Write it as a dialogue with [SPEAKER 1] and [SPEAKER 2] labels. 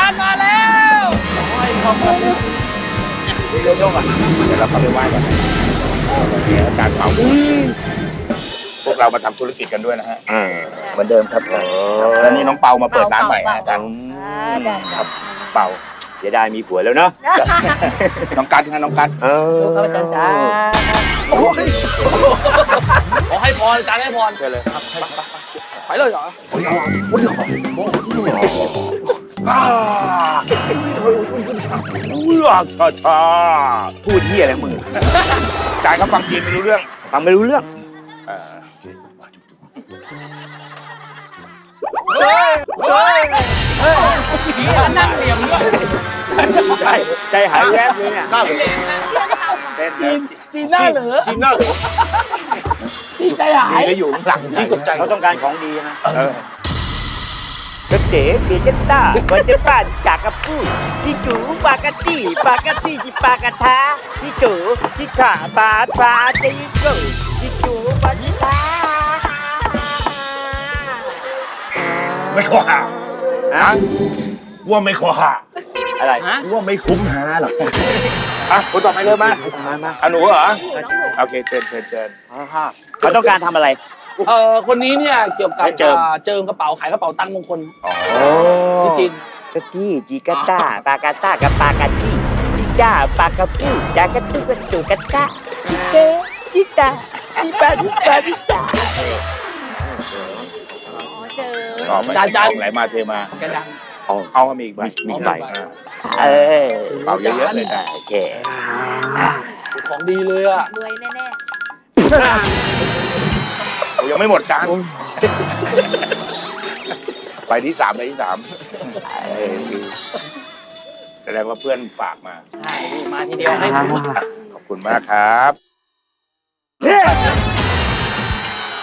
[SPEAKER 1] ารย์มาแล้วเดี๋ยวเราเข้าไปไหว้ก่อนนี่อาจารย์เป่าพวกเรามาทำธุรกิจกันด้วยนะฮะเหมือนเดิมครับแล้วนี่น้องเปามาเปิดร้านใหม่อาจารย์ครับเปาจะได้มีผัวแล้วเนาะน้องกัดฮะน้องกัด
[SPEAKER 2] ครับอาจารย์จ้าขอให้พรอาจารย์ให้พร
[SPEAKER 1] เชิญเลยครับ
[SPEAKER 2] ไปเลยเหรอ
[SPEAKER 1] ชาพูดเหี้ยอะไรมึงอาจารย์เขาฟังจีนไม่รู้เรื่อง
[SPEAKER 3] ฟังไม่รู้เรื่อง
[SPEAKER 2] นั่งเหลี่ยมด้วย
[SPEAKER 3] ใจหายแวบเลยเนี่ย
[SPEAKER 2] จีน่าเหรอ
[SPEAKER 1] จีน่า
[SPEAKER 2] จีใจหาย
[SPEAKER 1] ก็อยู่ข้างหลังจีตกใจ
[SPEAKER 3] เขาต้องการของดีนะกระเจ๋เปียกต้าวันเจ้าบ้านจากกระปูที่จูปากกะตี้ที่ปากกะทาที่จูที่ขาปาที่จูที่จูปากกะทา
[SPEAKER 1] ไม่ขอหาว่าไม่ขอหา
[SPEAKER 3] อะไร
[SPEAKER 1] ว่าไม่คุ้มหาหรอกคนต่อไปเริ่มมาหนูเหรอโอเคเชิญ
[SPEAKER 3] เขาต้องการทำอะไร
[SPEAKER 2] คนนี้เนี่ยเกี่ยวกับเจิมกระเป๋าขายกระเป๋าตังค์มงคลจริง
[SPEAKER 3] กะตี้จีกะต้าปากกะต้ากับปากกะตี้จีจ้าปากกะปูจากะตู้กับจูกะต้าจีเกจีตาจีปาจีตา
[SPEAKER 2] จาน
[SPEAKER 1] ไหลมาเทมาก
[SPEAKER 2] ระดัง
[SPEAKER 1] เอามีอีกใบเป่าเยอะๆเลยนะ
[SPEAKER 3] โอเค
[SPEAKER 2] ของดีเลยอ่ะ
[SPEAKER 4] รวยแน่
[SPEAKER 1] ยังไม่หมดจานใบที่สามแสดงว่าเพื่อนฝากมา
[SPEAKER 2] ใช่มาทีเดียวให้
[SPEAKER 1] ขอบคุณมากครับ